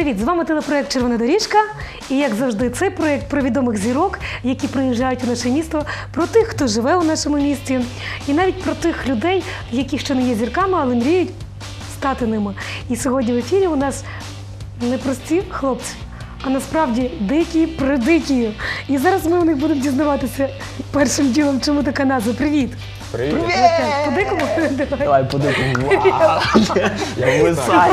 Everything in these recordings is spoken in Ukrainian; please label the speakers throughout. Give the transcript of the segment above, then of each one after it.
Speaker 1: Привіт! З вами телепроект «Червона доріжка». І, як завжди, це проєкт про відомих зірок, які приїжджають у наше місто, про тих, хто живе у нашому місті, і навіть про тих людей, які ще не є зірками, але мріють стати ними. І сьогодні в ефірі у нас не прості хлопці, а насправді дикі-придикі. І зараз ми у них будемо дізнаватися першим ділом, чому така назва. Привіт!
Speaker 2: Привіт!
Speaker 1: По-дикому?
Speaker 2: Давай по-дикому. Я висаю.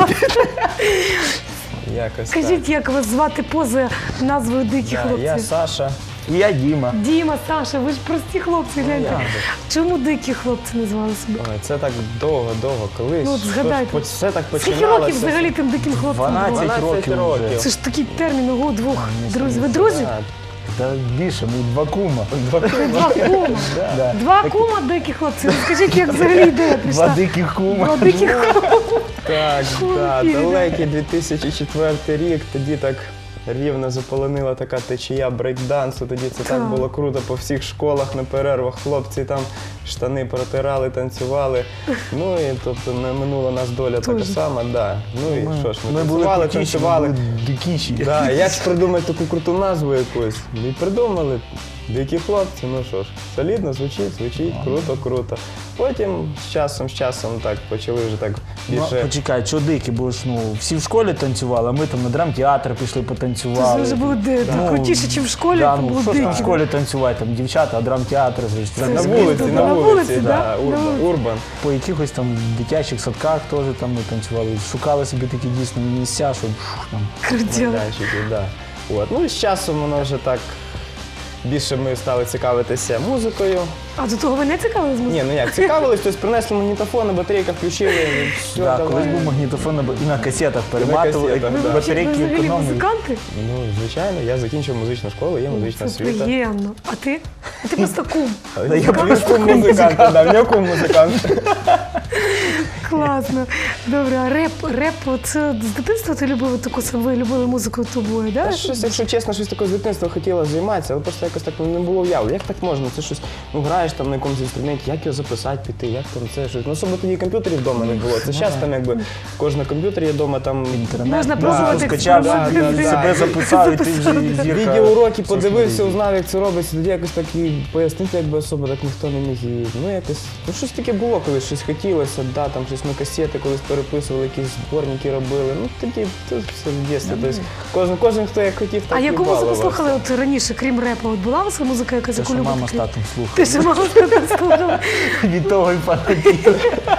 Speaker 2: Якось
Speaker 1: Скажіть, як вас звати поза назвою «Дикі
Speaker 2: так.
Speaker 1: хлопці»?
Speaker 2: Я Саша. І я Діма.
Speaker 1: Діма, Саша, ви ж прості хлопці, гляньте.
Speaker 2: як же.
Speaker 1: Чому дикі хлопці назвали себе?
Speaker 2: Ой, це так довго, колись.
Speaker 1: Ну, от згадайте.
Speaker 2: Все так
Speaker 1: Скільки
Speaker 2: починалося.
Speaker 1: років взагалі тим диким хлопцям?
Speaker 2: 12
Speaker 1: було?
Speaker 2: років вже.
Speaker 1: Це ж такий термін, ого, двох друзів. Ви друзі?
Speaker 3: Та більше, ми два кума.
Speaker 1: Два кума.
Speaker 2: Да.
Speaker 1: Два кума дикі хлопці. Скажіть, як взагалі ідея
Speaker 3: Два
Speaker 1: прийшла?
Speaker 3: диких кума.
Speaker 1: Два диких кума.
Speaker 2: Так,
Speaker 1: Класно.
Speaker 2: далекий 2004 рік, тоді так рівно заполонила така течія брейкдансу, тоді це так
Speaker 1: Так.
Speaker 2: було круто по всіх школах на перервах, хлопці там штани протирали, танцювали. Ну і тобто не минула нас доля така
Speaker 1: Тоже.
Speaker 2: сама, да. Ну і що ж, ми
Speaker 3: були
Speaker 2: танцювали,
Speaker 3: крутіші,
Speaker 2: танцювали.
Speaker 3: ми були дикіші.
Speaker 2: Да, як ж придумати таку круту назву якусь? І придумали. Дикі хлопці, ну що ж, солідно звучить, круто. Потім з часом так почали вже так
Speaker 3: Ну,
Speaker 2: більше.
Speaker 3: почекай, що дикі, бо ж всі в школі танцювали, а ми там на драмтеатр пішли
Speaker 1: Це
Speaker 3: потанцювали.
Speaker 1: вже було
Speaker 3: Ну,
Speaker 1: крутіше, ніж в школі,
Speaker 3: Да,
Speaker 1: то
Speaker 3: ну
Speaker 1: було
Speaker 3: що ж там в
Speaker 1: дикі.
Speaker 3: школі танцювати, там дівчата, а драмтеатр, звісно.
Speaker 2: На
Speaker 1: ж
Speaker 2: вулиці,
Speaker 1: круто.
Speaker 2: на
Speaker 1: На
Speaker 2: вулиці,
Speaker 1: вулиці,
Speaker 2: да,
Speaker 1: да? На вулиці.
Speaker 2: урбан.
Speaker 3: По якихось там дитячих садках теж там ми танцювали, шукали собі такі дійсно місця, щоб там.
Speaker 1: Крутіло.
Speaker 2: Майданчики, да. От. Ну і з часом воно вже так, більше ми стали цікавитися музикою.
Speaker 1: А до того ви не цікавились музикою?
Speaker 2: Ні, ну як, цікавились, тобто принесли магнітофон, батарейка включили, і все,
Speaker 3: Да,
Speaker 2: давай.
Speaker 3: колись був магнітофон і на касетах перематували,
Speaker 2: касетах,
Speaker 1: Ви
Speaker 2: да.
Speaker 3: батарейки
Speaker 1: взагалі
Speaker 3: економили.
Speaker 1: музиканти?
Speaker 2: Ну, звичайно, я закінчив музичну школу, є музична
Speaker 1: Це
Speaker 2: освіта.
Speaker 1: приємно. А ти? А ти просто кум.
Speaker 2: Я просто музикант, да, в нього кум музикант.
Speaker 1: Класно. Добре, а реп, це з дитинства ти любив таку, ви любили музику тобою,
Speaker 2: Та
Speaker 1: да?
Speaker 2: щось, якщо чесно, щось таке з дитинства хотіла займатися, але просто якось так не було уявлення. Як так можна? Це щось, ну граєш там на якомусь інструменті, як його записати, піти, як там це щось. Ну, особливо тоді комп'ютерів вдома не було. Це зараз там якби кожен комп'ютер є вдома, там
Speaker 3: Інтернет,
Speaker 1: Можна
Speaker 3: да,
Speaker 1: пробувати
Speaker 3: скачав,
Speaker 1: експерименти.
Speaker 3: себе записав, і ти вже зірка.
Speaker 2: відеоуроки
Speaker 3: в
Speaker 2: подивився,
Speaker 3: соцмережі.
Speaker 2: узнав, як це робиться, тоді якось так і пояснити, якби особо так ніхто не міг. І, ну якось, ну щось таке було колись, щось хотілося, да, там щось ми касети колись переписували, якісь зборники робили. Ну тоді це все в дитинстві. Тобто кожен, хто як хотів, так
Speaker 1: А
Speaker 2: і
Speaker 1: яку музику
Speaker 2: балувався.
Speaker 1: слухали от раніше, крім репу? От була у вас музика якась,
Speaker 3: Те,
Speaker 1: яку
Speaker 3: що
Speaker 1: любите?
Speaker 3: мама з татом
Speaker 1: Ти
Speaker 3: слухає.
Speaker 1: що мама з татом слухала?
Speaker 3: Від того і фанатів.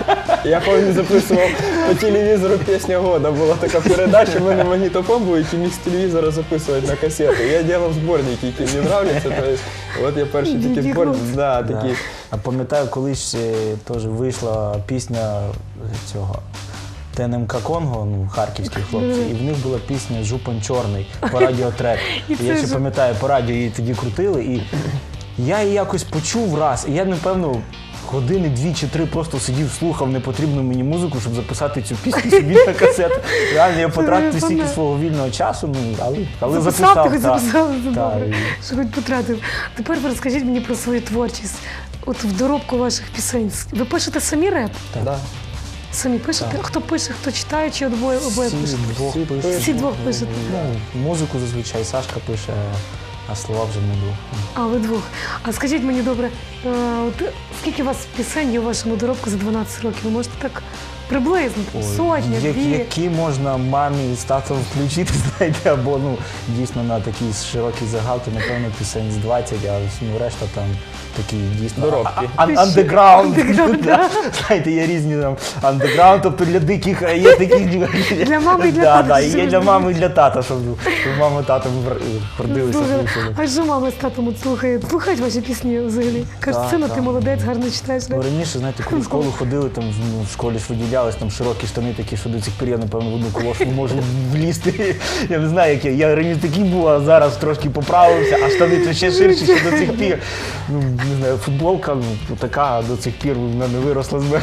Speaker 2: Я пам'ятаю, записував по телевізору «Пісня года». Була така передача, в мене магнітофон був, який міг з телевізора записувати на касету. Я робив зборники, які мені нравляться. От я перші такі
Speaker 1: Дикі
Speaker 2: зборники.
Speaker 1: хлопці.
Speaker 2: Да,
Speaker 3: Да.
Speaker 2: такі.
Speaker 3: А пам'ятаю, колись теж вийшла пісня цього ТНМК Конго, ну, харківські хлопці, і в них була пісня «Жупан чорний» по радіотрек.
Speaker 1: І
Speaker 3: І
Speaker 1: це
Speaker 3: я ще
Speaker 1: ж-
Speaker 3: пам'ятаю, по радіо її тоді крутили, і я її якось почув раз, і я, напевно, години 2 чи 3 просто сидів, слухав непотрібну мені музику, щоб записати цю пісню собі на касету. Реально, я потратив стільки
Speaker 1: пам'ятаю.
Speaker 3: свого вільного часу, ну, але
Speaker 1: Записав,
Speaker 3: записав.
Speaker 1: ти хоч
Speaker 3: так.
Speaker 1: записав, це
Speaker 3: Так,
Speaker 1: добре,
Speaker 3: і-
Speaker 1: що хоч потратив. Тепер ви розкажіть мені про свою творчість. От в доробку ваших пісень. Ви пишете самі реп?
Speaker 2: Да.
Speaker 1: Самі пишете? Хто пише, хто читає, чи обоє
Speaker 3: Всі
Speaker 1: пишете?
Speaker 3: двох
Speaker 2: Всі
Speaker 3: пишуть.
Speaker 1: Всі двох пишете.
Speaker 3: Ну, музику зазвичай Сашка пише, а слова вже не двох.
Speaker 1: А, ви двох. А скажіть мені, добре, от скільки у вас пісень є у вашому доробку за 12 років? Ви можете так приблизно? Сотня, дві?
Speaker 3: Які можна мамі з татом включити, знаєте, або ну, дійсно на такий широкий загал, то, напевно, пісень з 20, а ну, решта там такі дійсно
Speaker 2: Доробки.
Speaker 3: андеграунд.
Speaker 1: Андеграунд,
Speaker 3: Да. Знаєте, є різні там андеграунд, тобто для диких, а є такі
Speaker 1: Для мами і для
Speaker 3: Да,
Speaker 1: тата,
Speaker 3: да,
Speaker 1: що
Speaker 3: і є
Speaker 1: ви
Speaker 3: для
Speaker 1: знаєте.
Speaker 3: мами і для тата, щоб мама татом гордилися.
Speaker 1: Слухай, а що мама з татом от слухає? Слухають ваші пісні взагалі? Кажуть,
Speaker 3: Так,
Speaker 1: сина, ти
Speaker 3: так.
Speaker 1: молодець, гарно читаєш.
Speaker 3: Ну, раніше, знаєте, коли в школу ходили, там ну, в школі ж виділялись там широкі штани такі, що до цих пір я, напевно, в одну колошу не можу влізти. Я не знаю, як я раніше такий був, а зараз трошки поправився, а штани то ще ширші, що до цих пір. Ну, не знаю, футболка ну, така до цих пір вона не виросла з мене.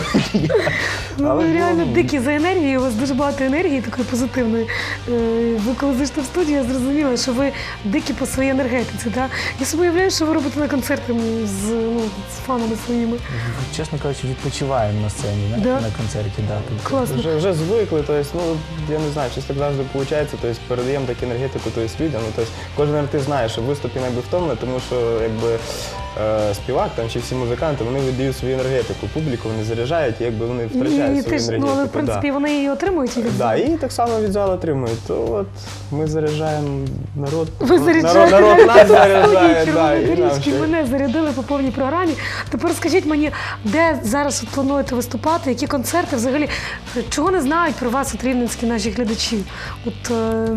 Speaker 1: Ну,
Speaker 3: Але
Speaker 1: ви
Speaker 3: було,
Speaker 1: реально
Speaker 3: ну,
Speaker 1: дикі за енергією, у вас дуже багато енергії, такої позитивної. Ви коли зайшли в студію, я зрозуміла, що ви дикі по своїй енергії. енергетиці. Да? Я собі уявляю, що ви робите на концерти з фанами своїми.
Speaker 3: Чесно кажучи, відпочиваємо на сцені,
Speaker 1: Да?
Speaker 3: на концерті. Да. Тобто,
Speaker 1: Класно.
Speaker 2: Вже звикли, тобто, я не знаю, щось так завжди виходить, тобто, передаємо таку енергетику людям. Тобто, кожен артист знає, що виступ інколи втомлений, тому що співак там, чи всі музиканти, вони віддають свою енергетику, публіку вони заряджають, і вони втрачають свою енергетику.
Speaker 1: Але в принципі вони її отримують і від
Speaker 2: Да, і так само від залу отримують. То от ми заряджаємо народ.
Speaker 1: Ви заряджаєте
Speaker 2: Народ нас заряджає,
Speaker 1: Студії
Speaker 2: да, і
Speaker 1: Червоної
Speaker 2: нам
Speaker 1: доріжки,
Speaker 2: ще.
Speaker 1: мене зарядили по повній програмі. Тепер скажіть мені, де зараз от плануєте виступати, які концерти взагалі, чого не знають про вас от рівненські наші глядачі? От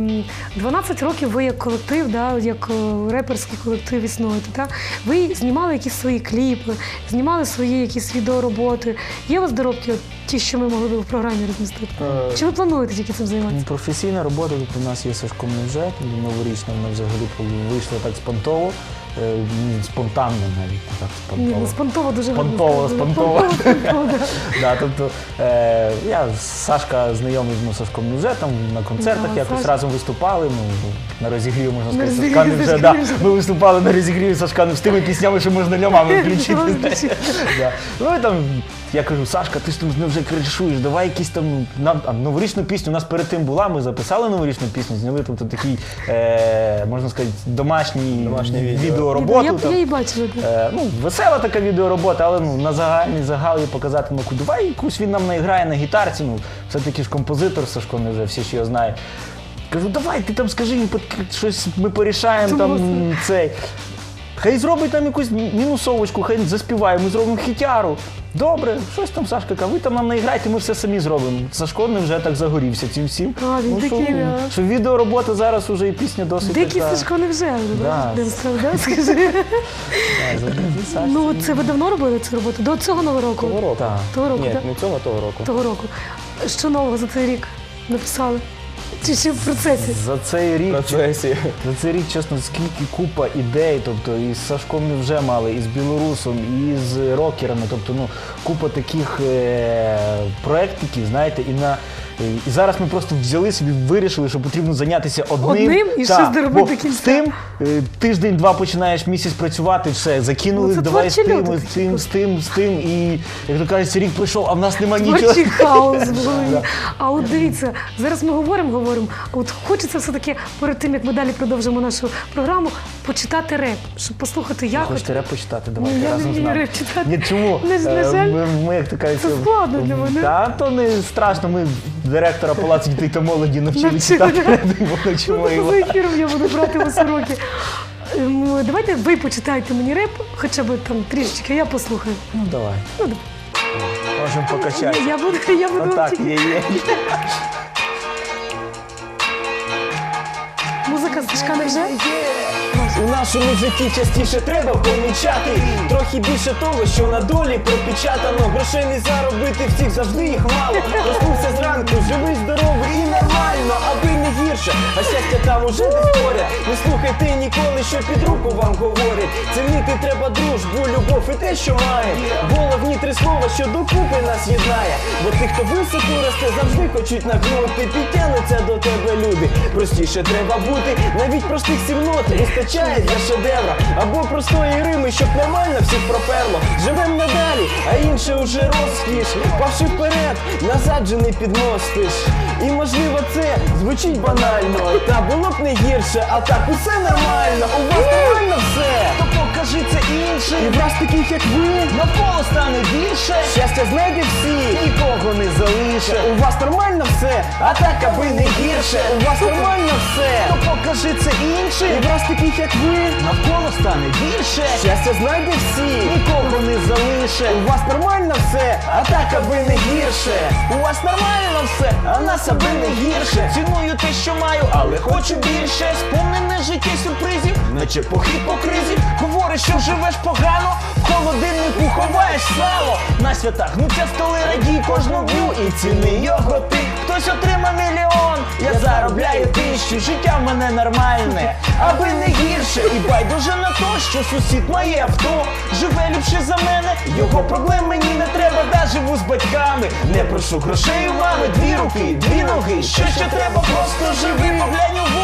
Speaker 1: 12 років ви як колектив, да, як реперський колектив існуєте, да? Ви знімали якісь свої кліпи, знімали свої якісь відеороботи. Є у вас доробки, от, ті, що ми могли б в програмі розмістити? Чи ви плануєте тільки цим займатися?
Speaker 3: професійна робота тут у нас є Сашко Невже, новорічна, вона взагалі вийшла так спонтово, спонтанно навіть, не так
Speaker 1: Ні,
Speaker 3: спонтово.
Speaker 1: спонтово дуже гарно
Speaker 3: Спонтово.
Speaker 1: сказано. Да.
Speaker 3: Да, тобто, я з Сашка знайомий з Сашком Невже, там на концертах
Speaker 1: Да,
Speaker 3: якось
Speaker 1: Сашка.
Speaker 3: разом виступали, на розігріві, можна
Speaker 1: На
Speaker 3: сказати,
Speaker 1: розігріві
Speaker 3: Сашка Невже.
Speaker 1: Сашка
Speaker 3: Да.
Speaker 1: Невже.
Speaker 3: Ми виступали на розігріві Сашка Невже з тими піснями, що можна для мами включити.
Speaker 1: Включити.
Speaker 3: Да. Ну і там, я кажу, Сашка, ти ж там вже кришуєш, давай якісь там, новорічну пісню, у нас перед тим була, ми записали новорічну пісню, зняли тобто такий, можна сказати, домашній відеороботу.
Speaker 1: Я її бачила. Да.
Speaker 3: Весела така відеоробота, але на загальний загал її показати, давай якусь він нам наіграє на гітарці, все-таки ж композитор Сашко Невже, всі ж його знають. Кажу, давай, ти там скажи, щось ми порішаємо там цей. Хай зробить там якусь мінусовочку, хай заспіває, ми зробимо хітяру. Добре, щось там Сашка каже, ви там нам наіграйте, ми все самі зробимо. Сашко Невже так загорівся цим всім.
Speaker 1: А, він такий, да.
Speaker 3: Що відеоробота зараз уже і пісня досить
Speaker 1: Дикий
Speaker 3: така.
Speaker 1: Сашко Невже,
Speaker 3: Да.
Speaker 1: да, скажи.
Speaker 3: Сашка.
Speaker 1: Ну, це ви давно робили цю роботу? До цього Нового року?
Speaker 2: Того року.
Speaker 3: Так.
Speaker 1: Того року,
Speaker 2: Ні,
Speaker 1: так?
Speaker 2: не цього, того року.
Speaker 1: Того року. Що нового за цей рік написали? Чи ще в процесі?
Speaker 3: За цей
Speaker 2: В
Speaker 3: рік
Speaker 2: процесі.
Speaker 3: За цей рік, чесно, скільки купа ідей, тобто і з Сашком Невже мали, і з Білорусом, і з рокерами, тобто купа таких проєктиків, знаєте, і зараз ми просто взяли собі, вирішили, що потрібно зайнятися одним
Speaker 1: І щось доробити до кінця.
Speaker 3: З тим тиждень-два починаєш місяць працювати, все, закинули,
Speaker 1: це
Speaker 3: давай з
Speaker 1: творчі
Speaker 3: тим,
Speaker 1: люди.
Speaker 3: з тим, і, як то кажеться, рік пройшов, а в нас немає нічого.
Speaker 1: Творчий хаос в голові.
Speaker 3: Да.
Speaker 1: А от дивіться, зараз ми говоримо, а от хочеться все-таки перед тим, як ми далі продовжимо нашу програму, почитати реп, щоб послухати як.
Speaker 3: Хочете реп почитати?
Speaker 1: Ні,
Speaker 3: Давайте
Speaker 1: я не
Speaker 3: разом з
Speaker 1: вмію
Speaker 3: нами.
Speaker 1: реп читати.
Speaker 3: Ні, чому?
Speaker 1: На жаль,
Speaker 3: Ми, як то кажуть,
Speaker 1: це складно для мене.
Speaker 3: Та, то не страшно, ми директора Палацу дітей та молоді навчили
Speaker 1: Навчили,
Speaker 3: читати
Speaker 1: да.
Speaker 3: реп, і ми навчимо
Speaker 1: Ну,
Speaker 3: його.
Speaker 1: за ефіром я буду брати вас уроки. Давайте ви почитайте мені реп, хоча б там трішечки, я послухаю.
Speaker 3: Ну, давай.
Speaker 1: Ну,
Speaker 3: Можемо покачати.
Speaker 1: Я буду
Speaker 3: Отак,
Speaker 1: вчити.
Speaker 3: є.
Speaker 1: Музика Сашка Невже?
Speaker 4: У нашому житті частіше треба помічати трохи більше того, що на долі пропечатано. Грошей не заробити, всіх завжди їх мало. Проснувся зранку, живий, здоровий і нормально, аби не гірше, а щастя там уже десь поряд. Не слухайте ніколи, що під руку вам говорять. Цінити треба дружбу, любов і те, що має. Головні три слова, що докупи нас єднає. Бо тих, хто високо росте, завжди хочуть нагнути. Підтягнуться до тебе люди. Простіше треба бути, навіть простих 7 нот вистачає для шедевра. Або простої рими, щоб нормально всіх проперло. Живем надалі, а інше уже розкіш. Павши вперед, назад же не підмостиш. І можливо це звучить банально, та було б не гірше, а так усе нормально. У вас нормально все, то покажи це іншим. І вас таких як ви навколо стане більше. Щастя знайде всі, нікого не залише. У вас нормально все, а так аби не гірше. У вас нормально все, то покажи це іншим. І вас таких як ви навколо стане більше. Щастя знайде всі, нікого не залише. У вас нормально все, а так аби не гірше. У вас нормально все, а нас аби не гірше. Ціную те, що маю, але хочу більше. Сповнене життя сюрпризів, наче похід по кризі. Говориш, що живеш погано, в холодильнику ховаєш сало. На святах гнуться столи, радій кожну дню і ціни його ти. Хтось отримав мільйон, я заробляю 1000. Життя в мене нормальне, аби не гірше. І байдуже на то, що сусід має авто. Живе ліпше за мене, його проблем мені не треба. Да, живу з батьками, не прошу грошей у мами. 2 руки, 2 ноги, що ще треба, просто живи, поглянь угору.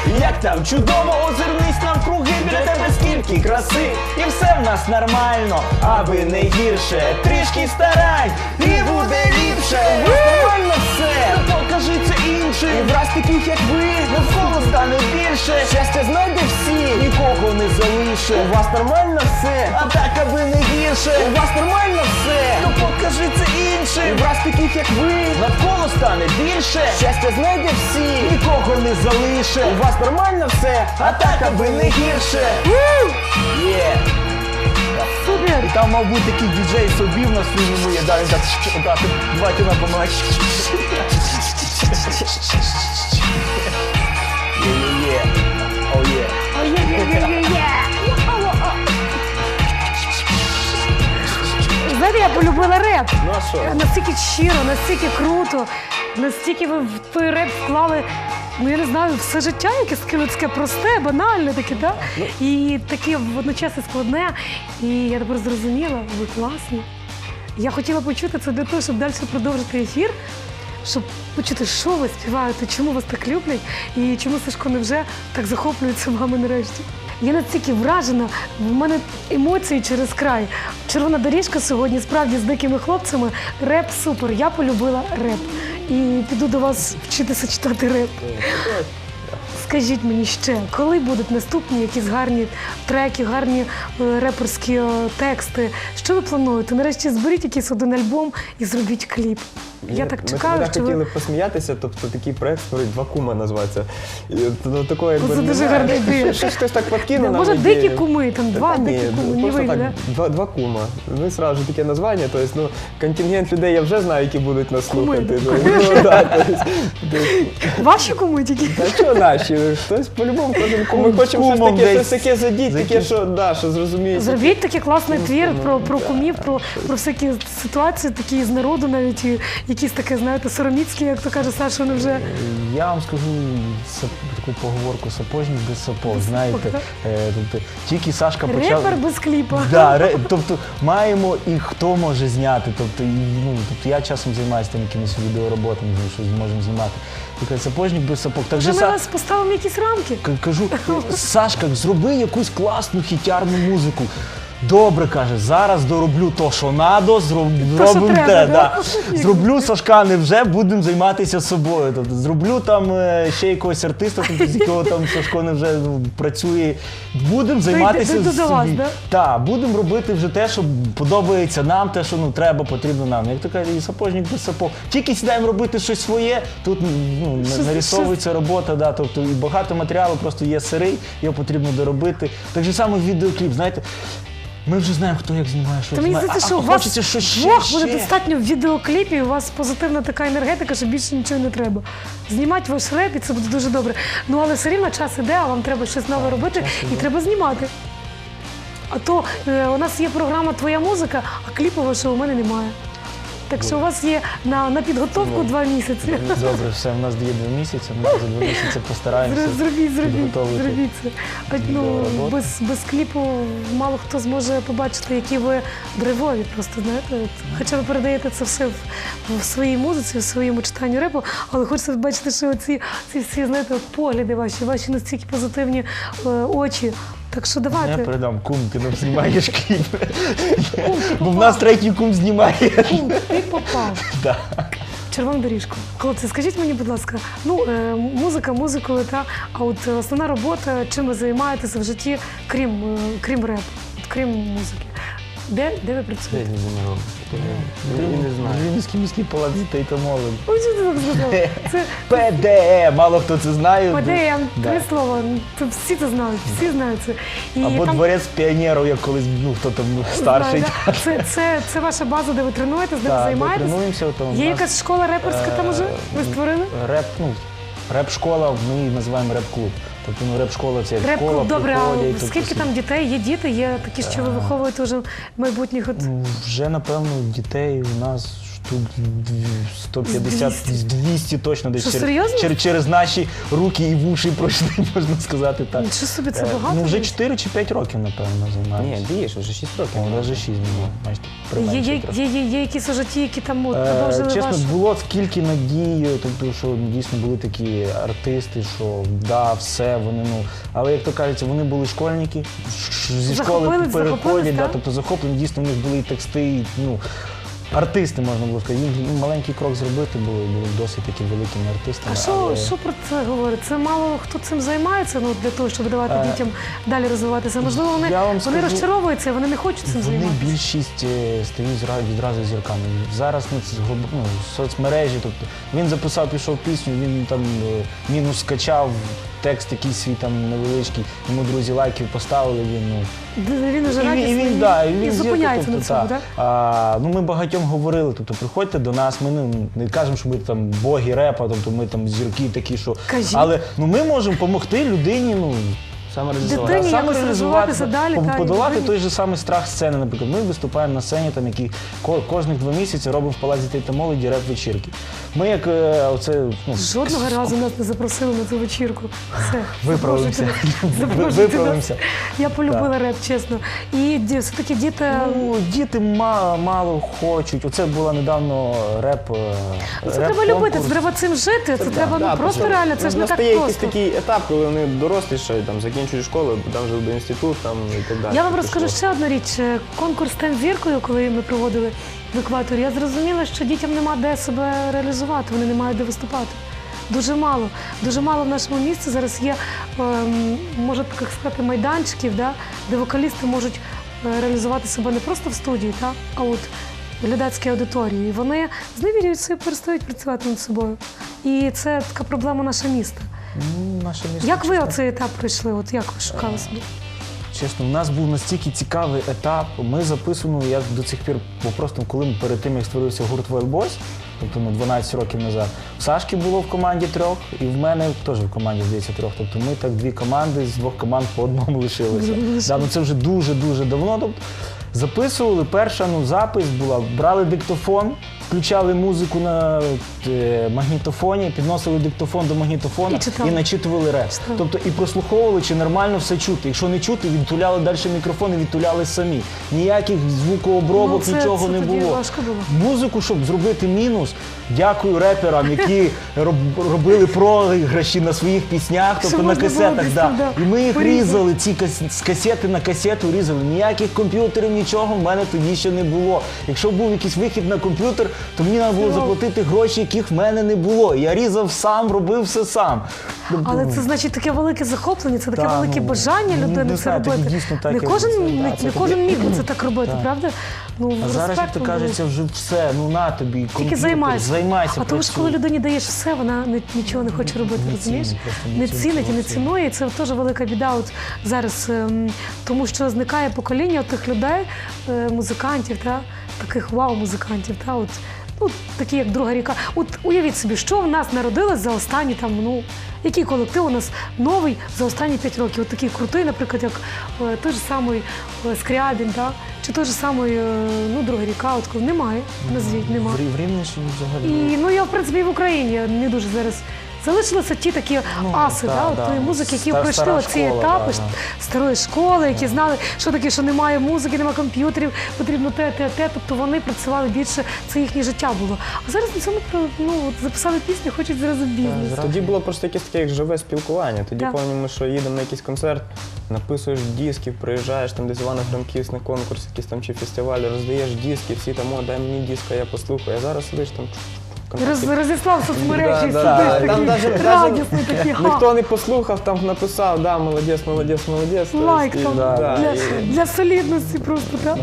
Speaker 4: Як там чудово, озирнись навкруги, біля тебе скільки краси. І все в нас нормально, аби не гірше. Трішки старань, і буде ліпше. У вас нормально все, то покажи це іншим. І враз таких як ви, навколо стане більше. Щастя знайде всі, нікого не залише. У вас нормально все, а так аби не гірше. У вас нормально все, то покажи це іншим. І враз таких як ви, навколо стане більше. Щастя знайде всі, нікого не залише. У вас нормально все, а так аби не гірше. Є.
Speaker 1: Супер!
Speaker 3: І там мав бути такий діджей собі в нас фільму є, да, він так, отак, давайте на помагати. Є-є-є, о є.
Speaker 1: Ой-є-є-є-є-є! Знаєте, я полюбила реп.
Speaker 2: Ну а що?
Speaker 1: Настільки щиро, настільки круто, настільки ви в той реп вклали, ну я не знаю, все життя, яке таке просте, банальне таке, да? І таке водночас і складне. І я тепер зрозуміла, ви класні. Я хотіла почути це для того, щоб далі продовжити ефір, щоб почути, що ви співаєте, чому вас так люблять і чому Сашко невже так захоплюється вами нарешті. Я настільки вражена, в мене емоції через край. Червона доріжка сьогодні справді з дикими хлопцями. Реп супер. Я полюбила реп. І піду до вас вчитися читати реп. Скажіть мені ще, коли будуть наступні якісь гарні треки, гарні реперські тексти? Що ви плануєте? Нарешті зберіть якийсь один альбом і зробіть кліп. Я так чекаю,
Speaker 2: Ми
Speaker 1: що
Speaker 2: хотіли
Speaker 1: ви...
Speaker 2: посміятися, тобто такий проект створить «Два кума» називається. І от такого якби
Speaker 1: Це дуже
Speaker 2: немає.
Speaker 1: гарна ідея.
Speaker 2: Щось хтось так подкинув нам
Speaker 1: Може,
Speaker 2: ідею.
Speaker 1: дикі куми, там два
Speaker 2: Та ні,
Speaker 1: дикі куми, не
Speaker 2: просто
Speaker 1: вийде,
Speaker 2: так,
Speaker 1: да?
Speaker 2: два кума. Ну, сразу ж таке названня, тобто, ну, контингент людей я вже знаю, які будуть нас
Speaker 1: Куми,
Speaker 2: слухати.
Speaker 1: да.
Speaker 2: Ну, да, тобто,
Speaker 1: Ваші куми тільки?
Speaker 2: та що наші? Хтось по-любому кожен кум. Ми хочемо щось
Speaker 3: Кумом
Speaker 2: таке,
Speaker 3: десь.
Speaker 2: щось таке задіть, таке, що, да, що зрозуміється.
Speaker 1: Зробіть такий класний твір про кумів, про всякі ситуації, такі з народу навіть, і якісь таке, знаєте, сороміцькі, як то каже Саша, вони вже...
Speaker 3: Я вам скажу таку поговорку «сапожник без сапог», знаєте.
Speaker 1: так.
Speaker 3: Тобто, тільки Сашка почав...
Speaker 1: Репер без кліпа.
Speaker 3: Да, тобто маємо і хто може зняти. Тобто, тобто я часом займаюся там якимись відеороботами, що зможемо знімати. Така «Сапожник без сапог». Так
Speaker 1: Вже
Speaker 3: же
Speaker 1: ми вас поставимо якісь рамки.
Speaker 3: кажу, Сашка, зроби якусь класну хітярну музику. Добре, каже, зараз дороблю то, що надо, зробимо
Speaker 1: треба,
Speaker 3: те.
Speaker 1: да?
Speaker 3: Зроблю, Сашка, невже будемо займатися собою. Тобто, зроблю там ще якогось артиста, тобто, з якого там Сашко невже працює. Будемо займатися
Speaker 1: дойду до вас, да?
Speaker 3: Так, будемо робити вже те, що подобається нам, те, що треба, потрібно нам. Як то каже, і сапожник без сапог. Тільки сідаємо робити щось своє, тут нарисовується робота, да, тобто і багато матеріалу просто є сирий, його потрібно доробити. Так же саме відеокліп, знаєте. Ми вже знаємо, хто як знімає, що
Speaker 1: Та мені
Speaker 3: знімає,
Speaker 1: здається,
Speaker 3: а
Speaker 1: що у вас
Speaker 3: хочеться щось
Speaker 1: двох буде
Speaker 3: ще.
Speaker 1: достатньо в відеокліпі, і у вас позитивна така енергетика, що більше нічого не треба. Знімати ваш реп, і це буде дуже добре. Ну, але все рівно час іде, а вам треба щось нове робити, і треба знімати. А то у нас є програма «Твоя музика», а кліпу вашого у мене немає. Так що у вас є на підготовку 2 місяці.
Speaker 3: Добре, все, в нас є 2 місяці, ми за 2 місяці постараємося
Speaker 1: Зробіть
Speaker 3: підготовити.
Speaker 1: це. А, ну,
Speaker 3: відеороботу.
Speaker 1: без кліпу мало хто зможе побачити, які ви драйвові просто, знаєте. Хоча ви передаєте це все в своїй музиці, в своєму читанні репу, але хочеться бачити, що ці всі, знаєте, погляди ваші настільки позитивні очі. Так що
Speaker 3: Я
Speaker 1: давайте.
Speaker 3: передам, кум, ти нам знімаєш кліп. Бо в нас третій кум знімає.
Speaker 1: Кум, ти попав.
Speaker 3: Да.
Speaker 1: Червону доріжку. Хлопці, скажіть мені, будь ласка, ну, музика музикою, а от основна робота, чим ви займаєтеся в житті, крім репу, крім музики? Де ви працюєте?
Speaker 2: Я не знаю.
Speaker 3: Вінницький міський палац дітей та молоді.
Speaker 1: Ой, що ти так сказав? Це
Speaker 3: ПДЕ, мало хто це знає.
Speaker 1: ПДМ,
Speaker 3: Да.
Speaker 1: 3 слова. Тут всі це знають, всі знають це. І
Speaker 3: Або
Speaker 1: там,
Speaker 3: дворець піонерів, як колись, ну, хто там старший.
Speaker 1: знаю, да. Це ваша база, де ви тренуєтесь, де ви
Speaker 3: Так,
Speaker 1: займаєтесь?
Speaker 3: тренуємося. Там,
Speaker 1: Є якась школа реперська там уже? Ви створили?
Speaker 3: Реп-школа, ми її називаємо реп-клуб. Тобто, ну, реп-школа це як школа,
Speaker 1: Реп-клуб, добре,
Speaker 3: приходять.
Speaker 1: а
Speaker 3: тобто,
Speaker 1: скільки там дітей? Є діти, є такі, що ви виховуєте вже майбутніх от...
Speaker 3: Ну, вже, напевно, дітей у нас штук 150-200 точно десь
Speaker 1: Що, серйозно?
Speaker 3: через наші руки і вуші пройшли, можна сказати так.
Speaker 1: Нічого собі, це
Speaker 3: Е,
Speaker 1: багато?
Speaker 3: Ну вже 4 чи 5 років, напевно, займаємося.
Speaker 2: Ні, більше, вже 6 років.
Speaker 3: О, навіть 6 було, бачите,
Speaker 1: Є,
Speaker 3: применшив
Speaker 1: є,
Speaker 3: трошки.
Speaker 1: є якісь уже ті, які там от, продовжили
Speaker 3: Чесно,
Speaker 1: вашу...
Speaker 3: було скільки надії, тобто, що дійсно були такі артисти, що да, все, вони, ну, але як то кажеться, вони були школьники, зі школи
Speaker 1: Захопились,
Speaker 3: переходять, да,
Speaker 1: так?
Speaker 3: тобто захоплені, дійсно, у них були і тексти, і, ну, артисти, можна було сказати. Їм маленький крок зробити були досить таки великими артистами.
Speaker 1: А що про це говорить? Це мало хто цим займається, ну, для того, щоб давати дітям далі розвиватися. Можливо, вони
Speaker 3: я вам скажу,
Speaker 1: розчаровуються, вони не хочуть цим
Speaker 3: Вони
Speaker 1: займатися.
Speaker 3: більшість стають відразу зірками. Зараз соцмережі, тобто він записав, пішов пісню, він там мінус скачав, текст якийсь свій там невеличкий, йому друзі лайків поставили, він, ну.
Speaker 1: Він вже радісний
Speaker 3: і
Speaker 1: і
Speaker 3: він
Speaker 1: зупиняється на цьому, так?
Speaker 3: Ну, ми багатьом говорили, тобто приходьте до нас, ми не кажемо, що ми там боги репа, тобто ми там зірки такі, що.
Speaker 1: Кажіть.
Speaker 3: Але ну, ми можемо допомогти людині, ну.
Speaker 1: Дитині якось розвиватися далі, та, і
Speaker 3: подолати
Speaker 1: людині.
Speaker 3: той же самий страх сцени. Наприклад, ми виступаємо на сцені, там, які кожних 2 місяці робимо в Палаці дітей та молоді реп-вечірки. Ми як оце, ну,
Speaker 1: Жодного разу нас не запросили на цю вечірку. Все,
Speaker 3: Виправимося.
Speaker 1: запрошуйте нас.
Speaker 3: Виправимося.
Speaker 1: Я полюбила реп, чесно. І все-таки діти...
Speaker 3: Ну, діти мало хочуть. Оце була недавно реп.
Speaker 1: Ну, це треба любити, це треба цим жити, це треба ну, просто реально, це ж не так
Speaker 2: Настає якийсь
Speaker 1: просто.
Speaker 2: такий етап, коли вони дорослішають, там, закінчують школу, там вже до інститут, там, і так далі.
Speaker 1: Я вам
Speaker 2: Пішло.
Speaker 1: розкажу ще одну річ. Конкурс «Стань зіркою», коли ми проводили в екваторі, я зрозуміла, що дітям нема де себе реалізувати, вони не мають де виступати. Дуже мало в нашому місті зараз є, можна так сказати, майданчиків, да, де вокалісти можуть реалізувати себе не просто в студії, та, а от в глядацькій аудиторії. І вони зневірюються і перестають працювати над собою. І це така проблема нашого міста.
Speaker 3: Ну, наше місто.
Speaker 1: Як ви оцей етап пройшли? От як ви шукали собі?
Speaker 3: Чесно, у нас був настільки цікавий етап. Ми записували, я до цих пір, бо просто коли ми перед тим, як створився гурт Wild Boys, тобто 12 років назад, в Сашки було в команді 3, і в мене теж в команді, здається, 3. Тобто ми так 2 команди, з 2 команд по одному лишилися. Да, ну це вже дуже-дуже давно. Тобто, записували, перша запис була, брали диктофон, включали музику на магнітофоні, підносили диктофон до магнітофона і начитували реп. Тобто і прослуховували, чи нормально все чути. Якщо не чути, відтуляли далі мікрофон і відтуляли самі. Ніяких звукообробок, нічого не було.
Speaker 1: Важко було.
Speaker 3: Музику, щоб зробити мінус, дякую реперам, які робили програші на своїх піснях, тобто на касетах. І ми їх різали, ці з касети на касету різали. Ніяких комп'ютерів, нічого в мене тоді ще не було. Якщо був якийсь вихід на комп'ютер, то мені треба було заплатити гроші, яких в мене не було. Я різав сам, робив все сам.
Speaker 1: Але це значить таке велике захоплення, це таке велике бажання людини це робити. Не кожен міг би це так робити, правда?
Speaker 3: А зараз, як то кажеться, вже все, ну на тобі, комп'ютер, займайся,
Speaker 1: А тому ж, коли людині даєш все, вона нічого не хоче робити, розумієш? Не цінить і не цінує, і це теж велика біда от зараз, тому що зникає покоління тих людей, музикантів, таких вау-музикантів, от, ну, такі як Друга ріка. От уявіть собі, що в нас народилось за останні який колектив у нас новий за останні 5 років. От такий крутий, наприклад, як той же самий Скрябін, чи той же самий Друга ріка. От немає, назвіть, немає.
Speaker 3: В Рівненщині взагалі.
Speaker 1: І я, в принципі, і в Україні не дуже зараз. Залишилися ті такі аси, тої музики, які пройшли оці етапи старої школи, які знали, що таке, що немає музики, немає комп'ютерів, потрібно те. Тобто вони працювали більше, це їхнє життя було. А зараз на цьому записали пісню, хочуть зразу бізнес.
Speaker 2: Тоді було просто якесь таке як живе спілкування. Тоді пам'ятаємо, що їдемо на якийсь концерт, написуєш дисків, приїжджаєш там десь в Івано-Франківськ на конкурс, якийсь там чи фестиваль, роздаєш диски, всі там, дай мені диск, а я послухаю. А зараз сидиш там.
Speaker 1: Розіслав соцмережі, сидиш такий радісний, такий ха.
Speaker 2: Ніхто не послухав, там написав, молодець.
Speaker 1: Лайк там, для солідності просто, так?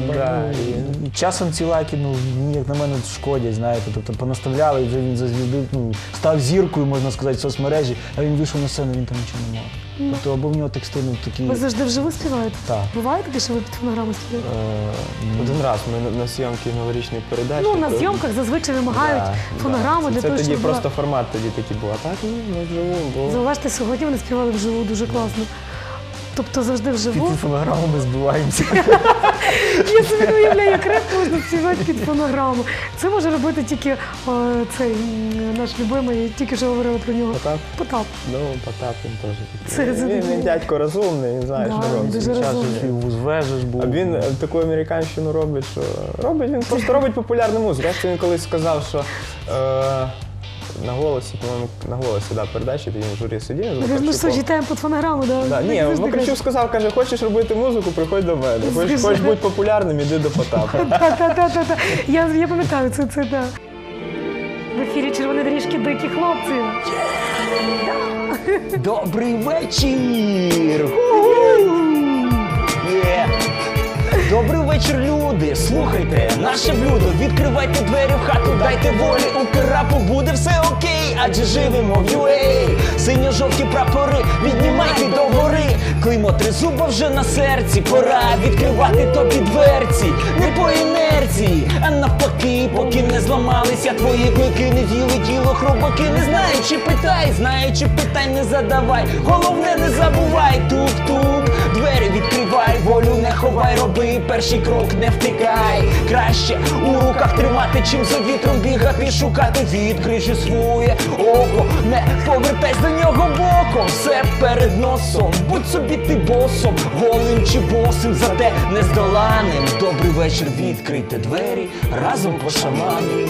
Speaker 3: І часом ці лайки, як на мене, шкодять, знаєте, тобто понаставляли, і вже він зазвіздив, став зіркою, можна сказати, в соцмережі, а він вийшов на сцену, він там нічого не мав. Тобто або в нього тексти такі...
Speaker 1: Ви завжди вживу співаєте?
Speaker 3: Так.
Speaker 1: Буває таке, що ви під фонограму співаєте?
Speaker 2: Один раз ми на зйомки новорічної передачі.
Speaker 1: На зйомках зазвичай вимагають фонограму для того, щоб...
Speaker 2: Це тоді просто формат тоді такий був, а так не вживу.
Speaker 1: Зауважте, сьогодні вони співали вживу дуже класно. Тобто завжди вживу.
Speaker 3: Під фонограму ми збиваємося.
Speaker 1: Ні, собі не уявляю, як реп можна співати під фонограму. Це може робити тільки цей наш любимий, тільки що говорили про нього.
Speaker 2: Потап?
Speaker 1: Потап.
Speaker 2: Ну, Потап він теж
Speaker 1: Це
Speaker 2: такий. Він дядько розумний, він знає,
Speaker 1: Да,
Speaker 2: що робить.
Speaker 1: дуже
Speaker 2: Час
Speaker 1: розумний.
Speaker 2: вже.
Speaker 3: І в Узвежиш був.
Speaker 2: А він таку американщину робить, що він просто робить популярну музику. Я він колись сказав, що на голосі, по-моєму, на голосі, передачі, тоді він в журі сидів. з
Speaker 1: Ми що,
Speaker 2: Вакарчуком.
Speaker 1: читаємо під фонограму, да?
Speaker 2: Да,
Speaker 1: Так
Speaker 2: ні,
Speaker 1: завжди
Speaker 2: Вакарчук
Speaker 1: кажуть.
Speaker 2: сказав, каже, хочеш робити музику, приходь до мене. Хочеш
Speaker 1: Скажи.
Speaker 2: бути популярним, іди до Потапа.
Speaker 1: Та-та-та-та. Я пам'ятаю, це так. В ефірі «Червоні доріжки» дикі хлопці.
Speaker 3: Добрий вечір! Є. Добрий вечір, люди! Слухайте наше блюдо, відкривайте двері в хату, дайте волі, у керапу буде все окей, адже живемо в UA. Синьо-жовті прапори, піднімайте догори, клеймо тризуба вже на серці, пора відкривати тобі дверці, не по інерції, а навпаки, поки не зламалися твої клики, не з'їли тіло хробаки, не знаючи питай, знаючи питань не задавай, головне не забувай, тук-тук, двері відкривай, волю не ховай, роби перший крок, не втикай, краще у руках тримати, чим за вітром бігати, шукати, відкрий же своє око, не повертайся до нього боком, все перед носом, будь собі ти босом, голим чи босим, зате нездоланим. Добрий вечір, відкрийте двері, разом пошаманим.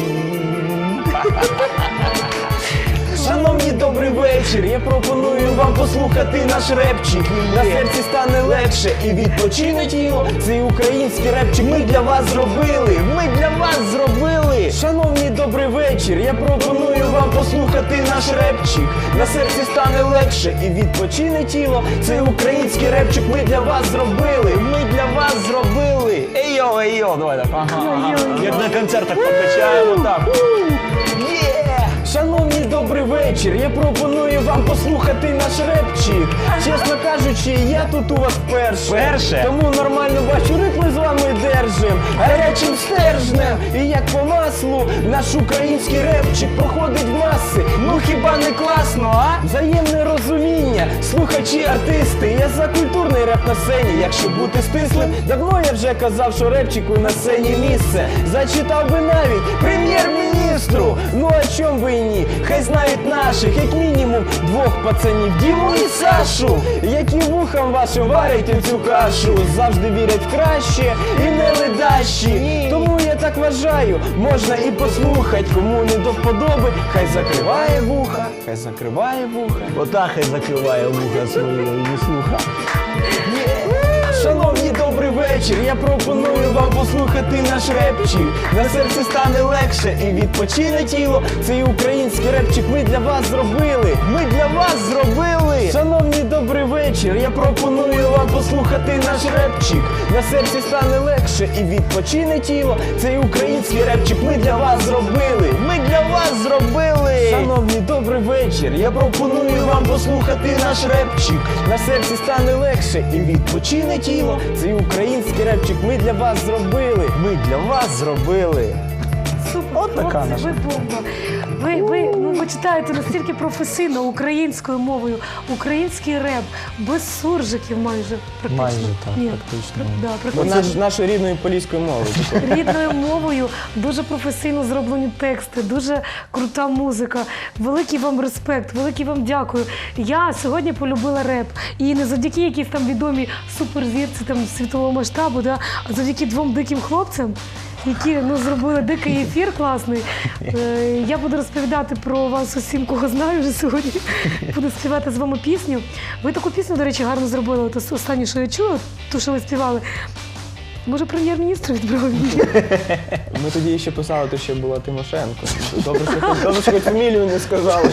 Speaker 4: Шановні, добрий вечір, я пропоную вам послухати наш репчик. На серці стане легше і відпочине тіло. Цей український репчик ми для вас зробили. Ми для вас зробили. Шановні, добрий вечір, я пропоную вам послухати наш репчик. На серці стане легше і відпочине тіло. Цей український репчик ми для вас зробили. Ми для вас зробили.
Speaker 3: Ей-йо, давай так. Ага,
Speaker 1: Ой-ой.
Speaker 3: як на концертах покачаємо так.
Speaker 4: Є! Шановні, добрий вечір, я пропоную вам послухати наш репчик. Чесно кажучи, я тут у вас вперше.
Speaker 3: Вперше?
Speaker 4: Тому нормально бачу, ритми з вами держим, гарячим стержнем. І як по маслу, наш український репчик проходить в маси. Ну хіба не класно, а? Взаємне розуміння, слухачі, артисти. Я за культурний реп на сцені, якщо бути стислим. Давно я вже казав, що репчику на сцені місце. Зачитав би навіть прем'єр-міністру. Ну а чом би і ні? Хай знають наших, як мінімум, двох пацанів, Діму і Сашу, які вухам вашим варять цю кашу. Завжди вірять в краще і не ледащі. Тому я так вважаю, можна і послухать, кому не до вподоби, хай закриває вуха, хай закриває вуха.
Speaker 3: Ота хай закриває вуха свої і слуха.
Speaker 4: Шановні, добрий вечір, я пропоную вам послухати наш репчик. На серці стане легше і відпочине тіло. Цей український репчик ми для вас зробили. Ми для вас зробили. Шановні, добрий вечір, я пропоную вам послухати наш репчик. На серці стане легше і відпочине тіло. Цей український репчик ми для вас зробили. Ми для вас зробили. Шановні, добрий вечір, я пропоную вам послухати наш репчик. На серці стане легше і відпочине тіло. Цей український репчик ми для вас зробили.
Speaker 3: Ми для вас зробили.
Speaker 1: Супер,
Speaker 3: От така
Speaker 1: хлопці,
Speaker 3: наша.
Speaker 1: ви бомба. Ви читаєте настільки професійно українською мовою, український реп, без суржиків майже практично.
Speaker 3: Майже так,
Speaker 1: Ні,
Speaker 3: практично.
Speaker 1: Да,
Speaker 2: Ну,
Speaker 1: практично.
Speaker 2: нашою рідною поліською мовою.
Speaker 1: Рідною мовою, дуже професійно зроблені тексти, дуже крута музика. Великий вам респект, великий вам дякую. Я сьогодні полюбила реп. І не завдяки якійсь там відомій суперзірці там, світового масштабу, да, а завдяки двом диким хлопцям, які зробили дикий ефір класний. Я буду розповідати про вас усім, кого знаю вже сьогодні. Буду співати з вами пісню. Ви таку пісню, до речі, гарно зробили. От останнє, що я чула, ту, що ви співали. Може, прем'єр-міністр відбрав її?
Speaker 2: Ми тоді ще писали, то ще була Тимошенко. Добре, що хоч фамілію не сказали.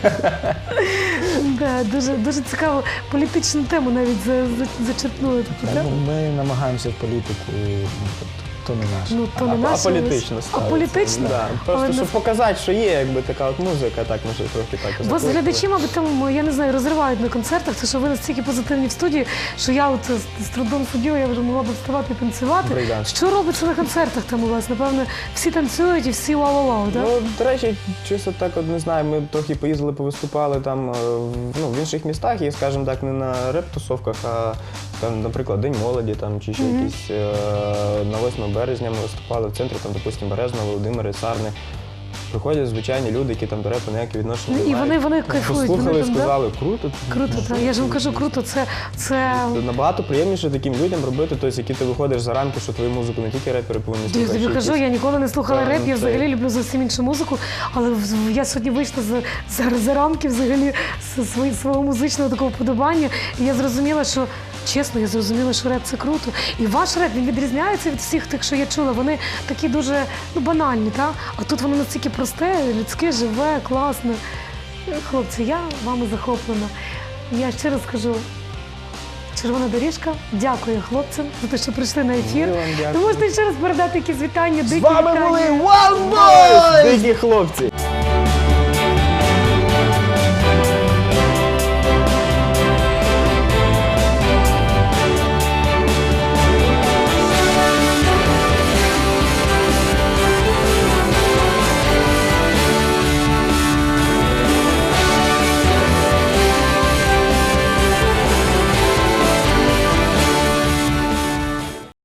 Speaker 1: Да, дуже цікаву політичну тему навіть зачерпнули.
Speaker 3: Ми намагаємося в політику, то не наше.
Speaker 1: Ну, то не наше.
Speaker 2: Аполітично
Speaker 1: А
Speaker 2: ставиться.
Speaker 1: політично?
Speaker 2: Да.
Speaker 1: Але
Speaker 2: Просто, щоб
Speaker 1: нас-
Speaker 2: показати, що є якби така от музика, так може трохи так.
Speaker 1: Вас
Speaker 2: закликали.
Speaker 1: глядачі, мабуть, там, я не знаю, розривають на концертах, це що ви настільки позитивні в студії, що я от з трудом сиділа, я вже могла б вставати і танцювати.
Speaker 2: Брейкданс.
Speaker 1: Що робиться на концертах там у вас? Напевно, всі танцюють і всі вау-вау-вау, так?
Speaker 2: Ну, до речі, чисто так, от не знаю, ми трохи поїздили, повиступали там в інших містах, і, скажімо так, не на реп-тусовках, а там, наприклад, День молоді там, чи ще якісь на 8 березня ми виступали в центрі, там, допустимо, Березна, Володимири, Сарни. Приходять звичайні люди, які там до репу ніяке відношення не
Speaker 1: І
Speaker 2: мають.
Speaker 1: вони кайфують.
Speaker 2: Послухали,
Speaker 1: вони там, да?
Speaker 2: сказали, круто.
Speaker 1: Круто, так. Я ж вам кажу, круто. Це
Speaker 2: Набагато приємніше таким людям робити, тобто, які ти виходиш за рамки, що твою музику не тільки репери повинні
Speaker 1: Я
Speaker 2: слухати.
Speaker 1: тобі
Speaker 2: ще
Speaker 1: кажу,
Speaker 2: якісь-
Speaker 1: я ніколи не слухала
Speaker 2: Так,
Speaker 1: реп, я
Speaker 2: це-
Speaker 1: взагалі люблю зовсім іншу музику, але я сьогодні вийшла за рамки взагалі свого музичного такого вподобання. І я зрозуміла, що чесно, я зрозуміла, що реп це круто. І ваш реп, він відрізняється від всіх тих, що я чула. Вони такі дуже банальні, так? А тут воно настільки просте, людське, живе, класне. Хлопці, я вами захоплена. Я ще раз скажу, Червона доріжка, дякую хлопцям за те, що прийшли на ефір.
Speaker 2: Ми вам дякуємо.
Speaker 1: Ви можете ще раз передати якісь вітання,
Speaker 3: З
Speaker 1: дикі
Speaker 3: вами
Speaker 1: вітання.
Speaker 3: були One Boys!
Speaker 2: Дикі хлопці!